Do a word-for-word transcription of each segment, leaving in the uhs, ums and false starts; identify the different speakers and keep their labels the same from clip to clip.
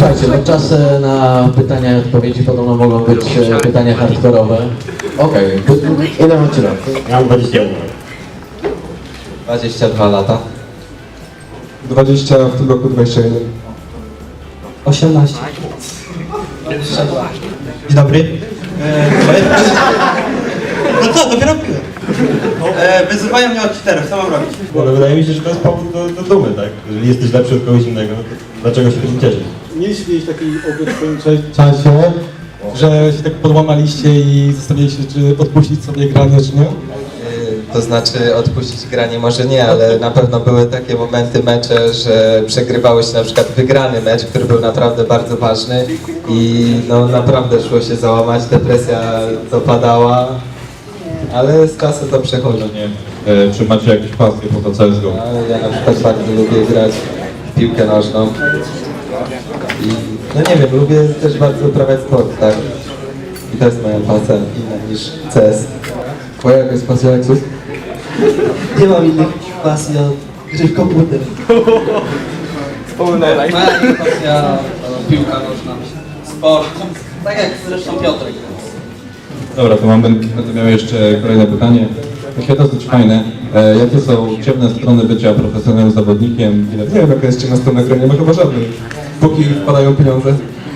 Speaker 1: Słuchajcie, no czas e, na pytania i odpowiedzi podobno mogą być e, pytania hardkorowe. Okej, okay. Ile macie lat?
Speaker 2: Ja mam dwadzieścia jeden.
Speaker 3: dwadzieścia dwa lata.
Speaker 4: dwadzieścia, w tym roku dwadzieścia jeden.
Speaker 5: osiemnaście.
Speaker 6: Dzień dobry. Eee, no co, dopiero piłem. Eee, wyzywają mnie od cheaterów, co mam robić?
Speaker 2: Ale wydaje mi się, że to jest powód do, do dumy, tak? Jeżeli jesteś lepszy od kogoś innego, to dlaczego się tym cieszyć?
Speaker 4: Mieliście kiedyś taki okres w swoim cza- czasie, że się tak podłamaliście i zastanawialiście, czy odpuścić sobie granie, czy nie?
Speaker 3: Yy, To znaczy odpuścić granie może nie, ale na pewno były takie momenty, mecze, że przegrywało się na przykład wygrany mecz, który był naprawdę bardzo ważny i no naprawdę szło się załamać, depresja dopadała, ale z czasem to przechodzi.
Speaker 7: E, czy macie jakieś pasje poza C S G O?
Speaker 3: Ale ja na przykład bardzo lubię grać w piłkę nożną i no nie wiem, lubię też bardzo uprawiać sport, tak? I to jest moja pasja inna niż C S.
Speaker 4: Twoja jaka jest pasja, Lexus?
Speaker 5: Nie mam innych pasji od gry w komputer.
Speaker 8: Moja pasja to piłka nożna, sport, tak jak zresztą Piotrek.
Speaker 7: Dobra, to mam, będę miał jeszcze kolejne pytanie. Takie dosyć fajne. E, jakie są ciemne strony bycia profesjonalnym zawodnikiem? Ile
Speaker 4: Nie wiem, jaka jest ciemna strona gry, nie ma chyba żadnej. Póki wpadają pieniądze.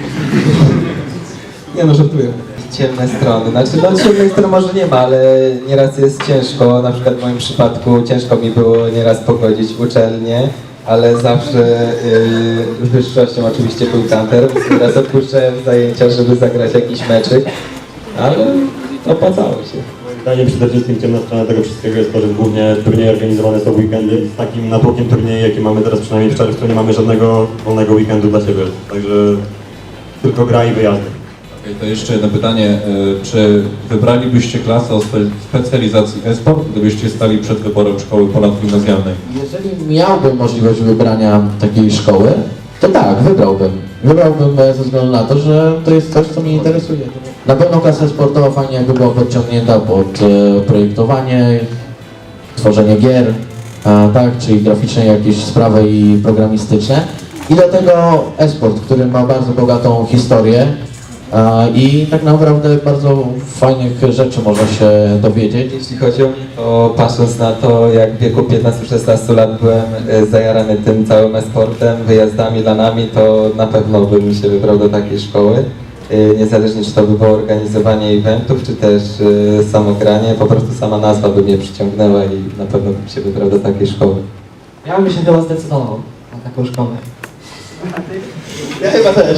Speaker 4: Nie no, żartuję.
Speaker 3: Ciemne strony, znaczy no ciemnej strony może nie ma, ale nieraz jest ciężko, na przykład w moim przypadku ciężko mi było nieraz pogodzić uczelnię, ale zawsze yy, wyższością oczywiście był kanter, nieraz odpuszczałem zajęcia, żeby zagrać jakiś meczyk, ale opłacało się.
Speaker 2: Zdaniem przede wszystkim ciemna strona tego wszystkiego jest to, że głównie turnieje organizowane są w weekendy. Z takim natłokiem turnieju, jaki mamy teraz przynajmniej w czerwcu, nie mamy żadnego wolnego weekendu dla siebie. Także tylko gra i wyjazdy.
Speaker 7: Okej, to jeszcze jedno pytanie. E, czy wybralibyście klasę o spe- specjalizacji e-sport, gdybyście stali przed wyborem szkoły ponadgimnazjalnej?
Speaker 1: Jeżeli miałbym możliwość wybrania takiej szkoły, to tak, wybrałbym. Wybrałbym e, ze względu na to, że to jest coś, co mnie interesuje. Na pewno klasa sportowa fajnie jakby była podciągnięta pod e, projektowanie, tworzenie gier, a, tak, czyli graficzne jakieś sprawy i programistyczne. I do tego e-sport, który ma bardzo bogatą historię a, i tak naprawdę bardzo fajnych rzeczy można się dowiedzieć.
Speaker 3: Jeśli chodzi o mnie, to patrząc na to, jak w wieku piętnastu szesnastu lat byłem e, zajarany tym całym e-sportem, wyjazdami, lanami, to na pewno bym się wybrał do takiej szkoły. E, Niezależnie czy to by było organizowanie eventów, czy też e, samo granie, po prostu sama nazwa by mnie przyciągnęła i na pewno bym się wybrał do takiej szkoły.
Speaker 5: Ja bym się chyba zdecydował na taką szkołę.
Speaker 1: Ja chyba też.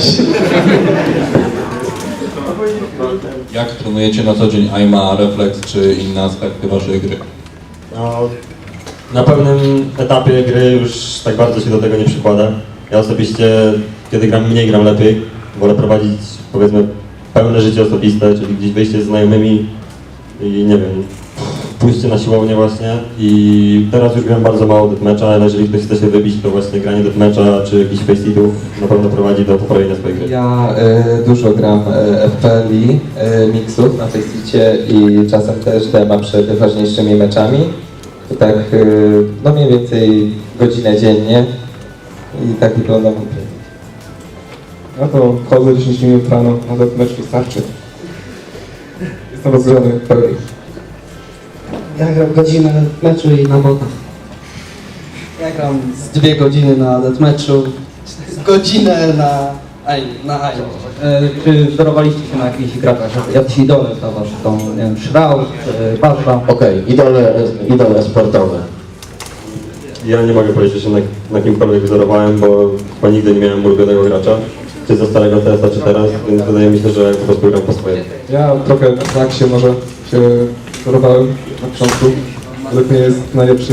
Speaker 7: Jak trenujecie na co dzień aima, refleks czy inne aspekty waszej gry?
Speaker 2: No, na pewnym etapie gry już tak bardzo się do tego nie przykłada. Ja osobiście, kiedy gram mniej, gram lepiej. Wolę prowadzić, powiedzmy, pełne życie osobiste, czyli gdzieś wyjście z znajomymi i nie wiem, pójście na siłownię właśnie. I teraz już gram bardzo mało deathmatcha, ale jeżeli ktoś chce się wybić, to właśnie granie deathmatcha czy jakichś faceitów na pewno prowadzi do poprawienia swojej gry.
Speaker 3: Ja e, dużo gram e, F P L i e, mixów na Faceicie i czasem też dema przed ważniejszymi meczami. To tak e, no mniej więcej godzinę dziennie i tak wygląda mój dzień.
Speaker 4: Ja to chodzę dziesięć minut rano, nawet mecz wystarczy. Jestem rozgrzany w pełni.
Speaker 5: Ja gram godzinę meczu i na botach.
Speaker 8: Ja gram z dwie godziny na deathmatchu, z godzinę na Aim, na Aim.
Speaker 9: E, czy wzorowaliście się na jakichś graczach? Jacyś idole dla was są, nie wiem, Shroud, e, Bazda?
Speaker 1: Okej, idole, idole sportowe.
Speaker 2: Ja nie mogę powiedzieć, że się na, na kimkolwiek wzorowałem, bo chyba nigdy nie miałem ulubionego gracza. Czy ze starego T S a, czy teraz, więc wydaje mi się, że po prostu gram po swojemu.
Speaker 4: Ja trochę tak się może się wzorowałem na początku. Według mnie jest najlepszy.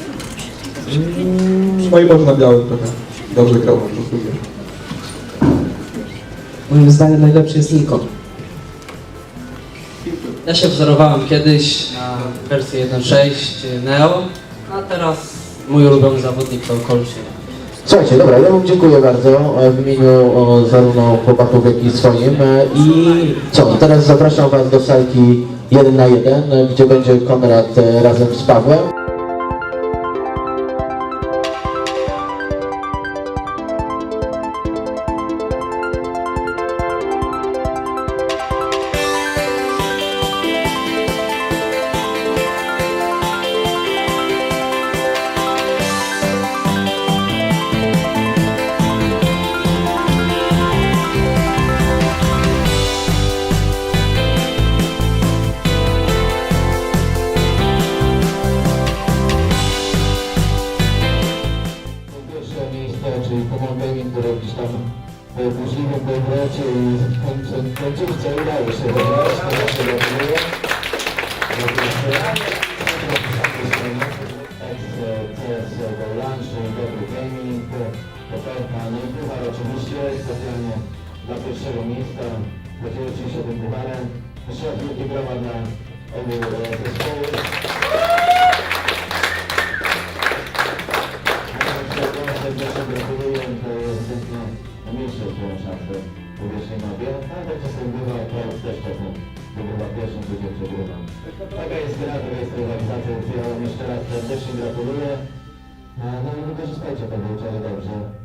Speaker 4: Mm, No i może na białym trochę. Dobrze grał po prostu.
Speaker 5: Moim zdaniem najlepszy jest Nikon.
Speaker 8: Ja się wzorowałem kiedyś na wersję jeden sześć Neo, a teraz mój ulubiony zawodnik to Kolczyk.
Speaker 1: Słuchajcie, dobra, ja wam dziękuję bardzo e, w imieniu o, zarówno chłopaków, jak i swoim. E, I co, teraz zapraszam was do salki jeden na jeden, e, gdzie będzie Konrad e, razem z Pawłem. burzliwym powrocie i w końcu, końcówce udało się wygrać. To właśnie gratuluję. C S Go Lunch, dobry gaming, popełka, no i puchar oczywiście specjalnie dla pierwszego miejsca. Podzielił się tym pucharem. Jeszcze wielkie brawa dla obu zespołów. Serdecznie gratuluję, to jest ewidentnie mniejsze szanse po pierwszej mapie. Ale tak czasem bywa, Kraus też czasem wygrywa pierwszą, drugą przegrywa. Taka jest gra, taka jest rywalizacja. Ja wam jeszcze raz serdecznie gratuluję. No i wykorzystajcie to, bo dobrze.